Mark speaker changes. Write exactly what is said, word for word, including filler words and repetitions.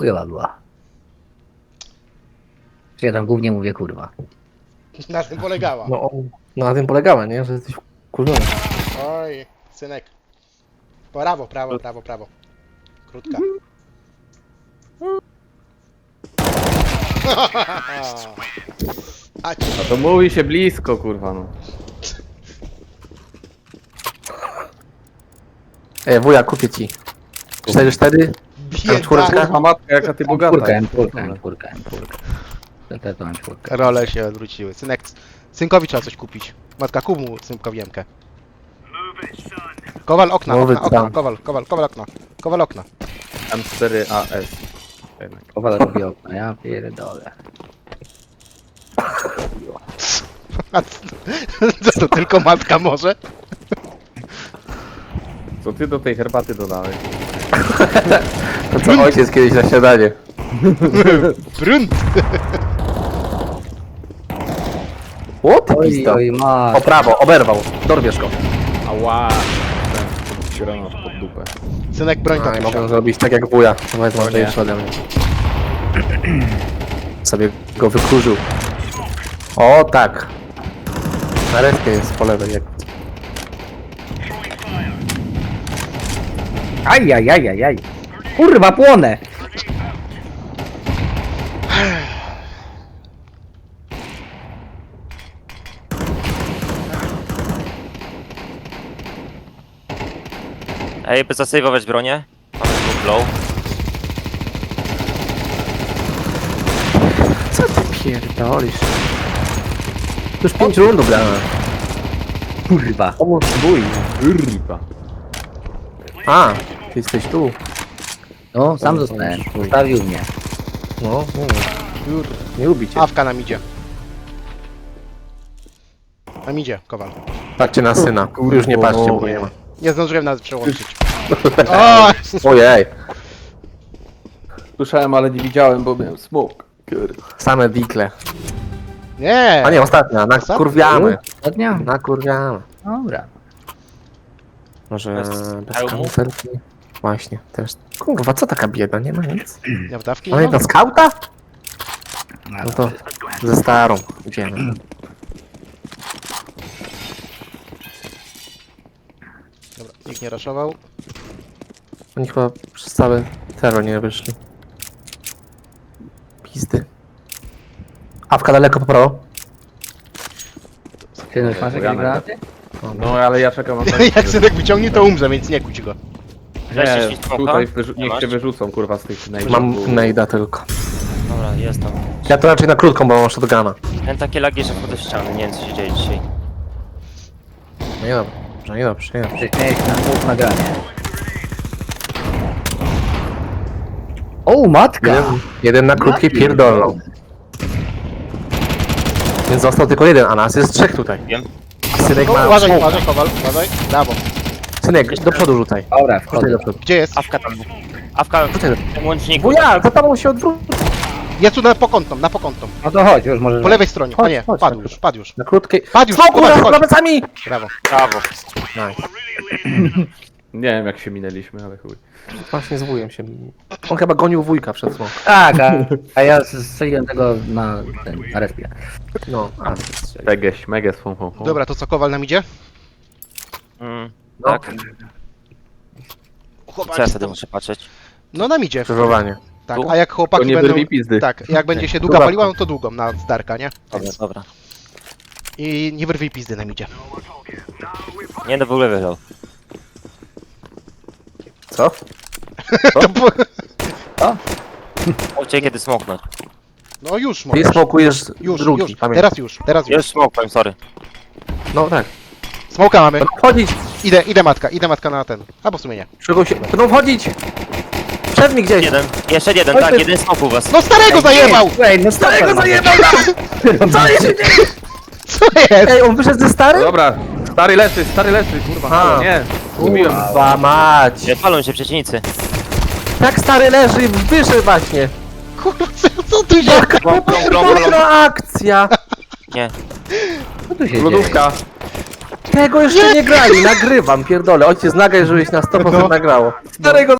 Speaker 1: Chujowa była. Czy ja tam głównie mówię kurwa.
Speaker 2: Na tym polegała.
Speaker 3: No, no na tym polegała, nie? Że jesteś kurzony.
Speaker 2: Oj, synek. Prawo, prawo, prawo, prawo. Krótka. A ci.
Speaker 4: No to mówi się blisko, kurwa, no.
Speaker 3: Ej, wuja, kupię ci. cztery cztery? czwóreczka?
Speaker 2: Bieda.
Speaker 4: Kurwa matka, jaka ty bogata.
Speaker 1: Czwórka,
Speaker 4: jest.
Speaker 1: czwórka, czwórka, czwórka. To też mam czwórkę.
Speaker 2: Role się odwróciły. Synek, synkowi trzeba coś kupić. Matka, kup mu synkowi jemkę. Kowal okna,
Speaker 3: Nowy
Speaker 2: okna, okna,
Speaker 3: tam.
Speaker 2: kowal, kowal, kowal okna. Kowal okna.
Speaker 4: M cztery A S. Jednak.
Speaker 1: Kowal robi okno, ja pierdolę.
Speaker 2: A co to tylko matka może?
Speaker 4: Co ty do tej herbaty dodałeś?
Speaker 3: To co ojciec kiedyś na śniadanie.
Speaker 2: Brunt!
Speaker 3: O, ty
Speaker 1: Oj,
Speaker 3: pizdo.
Speaker 1: oj, ma.
Speaker 3: O prawo, oberwał. Dorwiesz go.
Speaker 4: Ała! Ten granat pod dupę.
Speaker 2: Synek, broń
Speaker 3: A,
Speaker 2: tam
Speaker 3: i mogę
Speaker 2: musiał.
Speaker 3: zrobić tak jak wuja. To jest mądrzejsze ode mnie. Sobie go wykurzył. O, tak. Na respie jest po lewej. Jak...
Speaker 1: Aj, aj, aj, aj, aj. Kurwa, płonę!
Speaker 5: Ej, by zasejwować bronię. Mamy dwóch low.
Speaker 3: Co ty pierdolisz? Już pięć rundów grałem.
Speaker 1: Kurwa.
Speaker 3: Pomóż wuj.
Speaker 4: Kurwa.
Speaker 3: A, ty jesteś tu.
Speaker 1: No, sam zostałem. Zostawił mnie.
Speaker 3: No, no. Nie lubi cię.
Speaker 2: Awka nam idzie. Nam idzie, kowal.
Speaker 3: Patrzcie na syna. Już nie patrzcie, bo nie ma.
Speaker 2: Nie zdążyłem nas przełączyć. O!
Speaker 3: Ojej.
Speaker 4: Słyszałem, ale nie widziałem, bo miałem smok. Kurwa.
Speaker 3: Same dikle.
Speaker 2: Nie!
Speaker 3: A nie, ostatnia. Nakurwiamy.
Speaker 1: Ostatnia?
Speaker 3: Nakurwiamy.
Speaker 1: Dobra.
Speaker 3: Może
Speaker 5: Bez
Speaker 3: bez
Speaker 5: hełmu?
Speaker 3: kamufelki? Właśnie, też. Kurwa, co taka bieda? Nie ma nic.
Speaker 2: Nie w dawki?
Speaker 3: Ale
Speaker 2: Nie ma?
Speaker 3: na skauta? No to ze starą idziemy.
Speaker 2: Dobra, nikt nie raszował.
Speaker 3: Oni chyba przez cały terror nie wyszli. Pizdy. Awka daleko po prawo.
Speaker 1: Ty masz jakieś
Speaker 4: Janek.
Speaker 1: granaty?
Speaker 4: No, ale ja czekam na
Speaker 2: Jak synek wyciągnie, to umrze, więc nie kuć go.
Speaker 5: Weźcie
Speaker 4: Nie,
Speaker 5: ślicznoka.
Speaker 4: tutaj wyrzu-
Speaker 5: Nie
Speaker 4: niech
Speaker 5: masz?
Speaker 4: się wyrzucą, kurwa, z tych najdów.
Speaker 3: Mam nejda tylko.
Speaker 5: Dobra, jest tam.
Speaker 3: Ja to raczej na krótką, bo mam shotguna.
Speaker 5: Ten takie lagi, że wchodzę w ściany. Nie wiem, co się dzieje dzisiaj.
Speaker 3: No nie dobrze, nie dobrze, nie dobrze.
Speaker 1: Przecież miałeś na dwóch nagranie. O, matka!
Speaker 3: Jeden, jeden na krótkiej pierdolną. Więc został tylko jeden, a nas jest trzech tutaj.
Speaker 5: Wiem.
Speaker 3: Synek
Speaker 2: O,
Speaker 3: ma...
Speaker 2: uważaj,
Speaker 3: smoke.
Speaker 2: uważaj, kowal, uważaj. Brawo.
Speaker 3: Synek, do przodu rzucaj.
Speaker 1: Dobra,
Speaker 3: Rzucaj
Speaker 1: wchodzę.
Speaker 3: do przodu.
Speaker 2: Gdzie jest?
Speaker 5: Awka tam. Awka
Speaker 3: Rzucaj do
Speaker 5: w tym łączniku.
Speaker 3: Wuja, za tobą się odwróć.
Speaker 2: Jest tu na pokątną, na pokątną.
Speaker 1: No to chodź, już możesz...
Speaker 2: Po lewej stronie.
Speaker 3: Chodź,
Speaker 2: A nie,
Speaker 3: chodź,
Speaker 2: padł
Speaker 3: chodź.
Speaker 2: już, padł już.
Speaker 3: Na krótkiej...
Speaker 2: Padł już,
Speaker 3: Smoku,
Speaker 2: kowal,
Speaker 3: za
Speaker 2: chodź.
Speaker 3: plecami!
Speaker 2: Brawo.
Speaker 5: Brawo.
Speaker 3: Nice.
Speaker 4: Nie wiem, jak się minęliśmy, ale chuj.
Speaker 3: Właśnie z wujem się... On chyba gonił wujka przed smok.
Speaker 1: Tak, a, a ja strzeliłem tego na ten, na respie.
Speaker 3: No, a
Speaker 4: Tegeś, meges, fą, fą, fą.
Speaker 2: Dobra, to co, kowal nam idzie?
Speaker 5: Mm,
Speaker 3: No.
Speaker 5: tak. Co
Speaker 2: Chłopaki
Speaker 5: ja wtedy
Speaker 2: tam-
Speaker 5: muszę patrzeć?
Speaker 2: No nam idzie.
Speaker 3: Krzyżowanie.
Speaker 2: Tak,
Speaker 5: Tu?
Speaker 2: a jak
Speaker 4: To
Speaker 2: chłopaki
Speaker 4: nie
Speaker 2: będą...
Speaker 4: wyrwij pizdy.
Speaker 2: Tak, jak będzie się długa
Speaker 3: Dobra.
Speaker 2: paliła, no to długą na zdarka, nie?
Speaker 5: Dobra, dobra.
Speaker 2: I nie wyrwij pizdy nam idzie.
Speaker 5: Nie, no w ogóle wygrał.
Speaker 3: Co?
Speaker 2: To po...
Speaker 5: Mówcie kiedy smoknąć.
Speaker 2: No już
Speaker 3: Ty
Speaker 2: możesz.
Speaker 3: smokujesz
Speaker 2: Już,
Speaker 3: drugi,
Speaker 2: już.
Speaker 3: pamiętaj.
Speaker 2: Teraz już, teraz już.
Speaker 5: Już smokłem, sorry.
Speaker 3: No tak.
Speaker 2: Smoka mamy.
Speaker 3: Będą wchodzić!
Speaker 2: Idę, idę matka, idę matka na ten. Albo w sumie nie.
Speaker 3: Czego się... Będą wchodzić! Przed mi gdzieś!
Speaker 5: Jeden. Jeszcze jeden,
Speaker 3: Oj,
Speaker 5: tak,
Speaker 3: ty-
Speaker 5: jeden smok u was.
Speaker 2: No starego zajebał!
Speaker 1: Ej, no
Speaker 3: Starego zajebał nam! Co się dzieje?
Speaker 2: Co jest?
Speaker 3: Ej, on wyszedł ze starym?
Speaker 4: Dobra, stary leży, stary leży, kurwa,
Speaker 3: A.
Speaker 4: halo, nie. Zgubiłem.
Speaker 3: Kurwa mać!
Speaker 5: Nie, palą się przeciwnicy.
Speaker 3: Tak stary leży, wyszedł właśnie!
Speaker 2: Kurwa, co- co tu się...
Speaker 3: Jaka
Speaker 5: Klon, klon, klon, klon.
Speaker 3: pierdolona akcja!
Speaker 5: Nie.
Speaker 1: Co tu się dzieje?
Speaker 4: Lodówka.
Speaker 3: Tego jeszcze nie grali, nagrywam, pierdolę. Ojciec nagraj, żebyś na sto procent
Speaker 2: No.
Speaker 3: nagrało. Starego